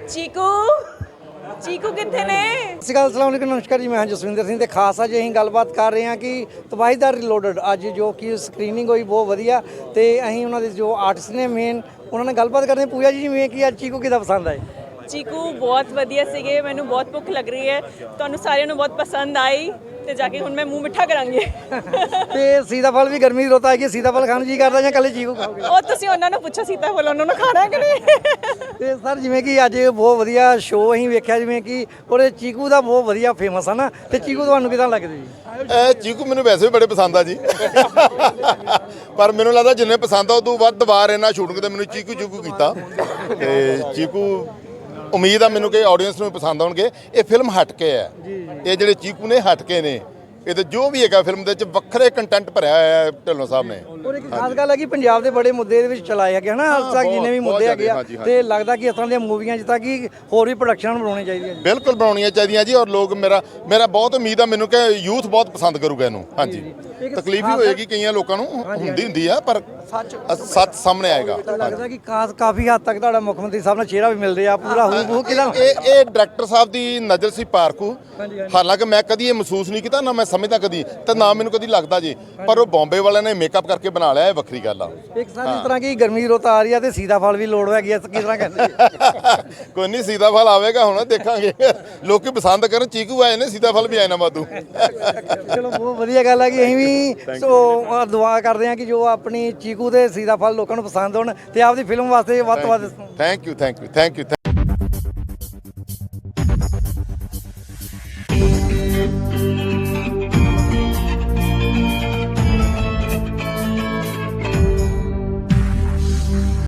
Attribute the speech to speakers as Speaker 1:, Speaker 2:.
Speaker 1: ਚੀਕੂ ਚੀਕੂ ਕਿੱਥੇ ਨੇ?
Speaker 2: ਸਤਿ ਸ਼੍ਰੀ ਅਕਾਲ, ਅਸਲਾਮ ਵਾਲੇਕੁਮ, ਨਮਸਕਾਰ ਜੀ। ਮੈਂ ਹਾਂ ਜਸਵਿੰਦਰ ਸਿੰਘ ਤੇ ਖਾਸ ਅੱਜ ਅਸੀਂ ਗੱਲਬਾਤ ਕਰ ਰਹੇ ਹਾਂ ਕਿ ਤਬਾਹੀਦਾਰ ਰੀਲੋਡਡ ਅੱਜ ਜੋ ਕਿ ਸਕਰੀਨਿੰਗ ਹੋਈ ਬਹੁਤ ਵਧੀਆ ਤੇ ਅਸੀਂ ਉਹਨਾਂ ਦੇ ਜੋ ਆਰਟਿਸਟ ਨੇ ਮੇਨ ਉਹਨਾਂ ਨਾਲ ਗੱਲਬਾਤ ਕਰਦੇ ਹਾਂ। ਪੂਜਾ ਜੀ ਜਿਵੇਂ ਕਿ ਅੱਜ ਚੀਕੂ ਕਿੱਦਾਂ ਪਸੰਦ ਆਏ?
Speaker 1: ਚੀਕੂ ਬਹੁਤ ਵਧੀਆ ਸੀਗੇ, ਮੈਨੂੰ ਬਹੁਤ ਭੁੱਖ ਲੱਗ ਰਹੀ ਹੈ, ਤੁਹਾਨੂੰ ਸਾਰਿਆਂ ਨੂੰ ਬਹੁਤ ਪਸੰਦ ਆਈ ਤੇ ਜਾ ਕੇ ਹੁਣ ਮੈਂ ਮੂੰਹ ਮਿੱਠਾ ਕਰਾਂਗੀ।
Speaker 2: ਤੇ ਸੀਤਾਫਲ ਵੀ ਗਰਮੀ ਦੀ ਰੁੱਤ ਆ ਗਈ, ਸੀਤਾਫਲ ਖਾਣ ਨੂੰ ਜੀ ਕਰਦਾ ਜਾਂ ਕੱਲੇ ਚੀਕੂ ਖਾਓਗੇ?
Speaker 1: ਉਹ ਤੁਸੀਂ ਉਹਨਾਂ ਨੂੰ ਪੁੱਛੋ, ਸੀਤਾਫਲ ਉਹਨਾਂ ਨੂੰ ਖਾਣਾ ਹੈ ਕਿ ਨਹੀਂ।
Speaker 2: ਤੇ ਸਰ ਜਿਵੇਂ ਕਿ ਅੱਜ ਬਹੁਤ ਵਧੀਆ ਸ਼ੋਅ ਅਸੀਂ ਵੇਖਿਆ, ਜਿਵੇਂ ਕਿ ਉਹਦੇ ਚੀਕੂ ਦਾ ਬਹੁਤ ਵਧੀਆ ਫੇਮਸ ਆ ਨਾ, ਤੇ ਚੀਕੂ ਤੁਹਾਨੂੰ ਕਿਦਾਂ ਲੱਗਦੇ ਜੀ?
Speaker 3: ਚੀਕੂ ਮੈਨੂੰ ਵੈਸੇ ਵੀ ਬੜੇ ਪਸੰਦ ਆ ਜੀ, ਪਰ ਮੈਨੂੰ ਲੱਗਦਾ ਜਿੰਨੇ ਪਸੰਦ ਆ ਉਦੋਂ ਵੱਧ ਵਾਰ ਇਹਨਾਂ ਸ਼ੂਟਿੰਗ ਤੇ ਮੈਨੂੰ ਚੀਕੂ ਚੀਕੂ ਕੀਤਾ। ਤੇ ਚੀਕੂ ਉਮੀਦ ਆ ਮੈਨੂੰ ਕਿ ਆਡੀਅנס ਨੂੰ ਪਸੰਦ ਆਉਣਗੇ। ਇਹ ਫਿਲਮ ਹਟ ਕੇ ਹੈ, ਇਹ ਜਿਹੜੇ ਚੀਕੂ ਨੇ ਹਟ ਕੇ ਨੇ, ਇਹ ਤੇ ਜੋ ਵੀ ਹੈਗਾ ਫਿਲਮ ਦੇ ਵਿੱਚ ਵੱਖਰੇ ਕੰਟੈਂਟ ਭਰਿਆ ਹੋਇਆ ਹੈ ਢਿੱਲੋਂ ਸਾਹਿਬ ਨੇ।
Speaker 2: ਔਰ ਇੱਕ ਖਾਸ ਗੱਲ ਹੈ ਕਿ ਪੰਜਾਬ ਦੇ ਬੜੇ ਮੁੱਦੇ ਦੇ ਵਿੱਚ ਚਲਾਏ ਹੈਗੇ ਹਨਾ, ਹਾਲ ਤੱਕ ਜਿੰਨੇ ਵੀ ਮੁੱਦੇ ਹੈਗੇ ਆ, ਤੇ ਲੱਗਦਾ ਕਿ ਇਸ ਤਰ੍ਹਾਂ ਦੀਆਂ ਮੂਵੀਆਂ ਜਿੱਦਾਂ ਕਿ ਹੋਰ ਵੀ ਪ੍ਰੋਡਕਸ਼ਨ ਬਣਾਉਣੀ ਚਾਹੀਦੀ ਹੈ।
Speaker 3: ਬਿਲਕੁਲ ਬਣਾਉਣੀਆਂ ਚਾਹੀਦੀਆਂ ਜੀ, ਔਰ ਲੋਕ ਮੇਰਾ ਬਹੁਤ ਉਮੀਦ ਆ ਮੈਨੂੰ ਕਿ ਯੂਥ ਬਹੁਤ ਪਸੰਦ ਕਰੂਗਾ ਇਹਨੂੰ। ਹਾਂਜੀ, ਤਕਲੀਫ ਵੀ ਹੋਏਗੀ ਕਈਆਂ ਲੋਕਾਂ ਨੂੰ, ਹੁੰਦੀ ਆ, ਪਰ ਸੱਚ ਸਾਹਮਣੇ ਆਏਗਾ।
Speaker 2: ਲੱਗਦਾ ਕਿ ਕਾਫੀ ਹੱਦ ਤੱਕ ਤੁਹਾਡਾ ਮੁੱਖ ਮੰਤਰੀ ਸਾਹਿਬ ਨਾਲ ਚਿਹਰਾ ਵੀ ਮਿਲ ਰਿਹਾ ਪੂਰਾ ਹੂ ਕਿਦਾਂ?
Speaker 3: ਇਹ ਡਾਇਰੈਕਟਰ ਸਾਹਿਬ ਦੀ ਨਜ਼ਰ ਸੀ ਪਾਰਕੂ। ਹਾਲਾਂਕਿ ਮੈਂ ਕਦੀ ਇਹ ਮਹਿਸੂਸ ਨਹੀਂ ਕੀਤਾ, ਨਾ ਮੈਂ ਸਮਝਦਾ ਕਦੀ, ਤੇ ਨਾ ਮੈਨੂੰ ਕਦੀ ਲੱਗਦਾ ਜੀ, ਪਰ ਉਹ ਬੰਬੇ ਵਾਲਿਆਂ ਨੇ ਮੇਕਅਪ ਕਰਕੇ ਬਣਾ ਲਿਆ, ਇਹ ਵੱਖਰੀ ਗੱਲ ਆ।
Speaker 2: ਇੱਕ ਸਾਲ ਜਿਸ ਤਰ੍ਹਾਂ ਕਿ ਗਰਮੀ ਦੀ ਰੁੱਤ ਆ ਰਹੀ ਆ ਤੇ ਸੀਤਾਫਲ ਵੀ ਲੋੜ ਹੈਗੀ ਆ, ਕਿਸ ਤਰ੍ਹਾਂ ਕਹਿੰਦੇ?
Speaker 3: ਕੋਈ ਨਹੀਂ, ਸੀਤਾਫਲ ਆਵੇਗਾ ਹੁਣ, ਦੇਖਾਂਗੇ। ਲੋਕੀ ਪਸੰਦ ਕਰਨ, ਚੀਕੂ ਆਏ ਨੇ, ਸੀਤਾਫਲ ਵੀ ਆਏ ਨਾ ਵਾਧੂ।
Speaker 2: ਚਲੋ ਬਹੁਤ ਵਧੀਆ ਗੱਲ ਹੈ ਕਿ ਅਸੀਂ ਵੀ ਦੁਆ ਕਰਦੇ ਹਾਂ ਕਿ ਜੋ ਆਪਣੀ ਚੀਕੂ ਤੇ ਸੀਤਾਫਲ ਲੋਕਾਂ ਨੂੰ ਪਸੰਦ ਹੋਣ ਤੇ ਆਪਦੀ ਫਿਲਮ ਵਾਸਤੇ ਵੱਧ ਤੋਂ ਵੱਧ।
Speaker 3: Thank you.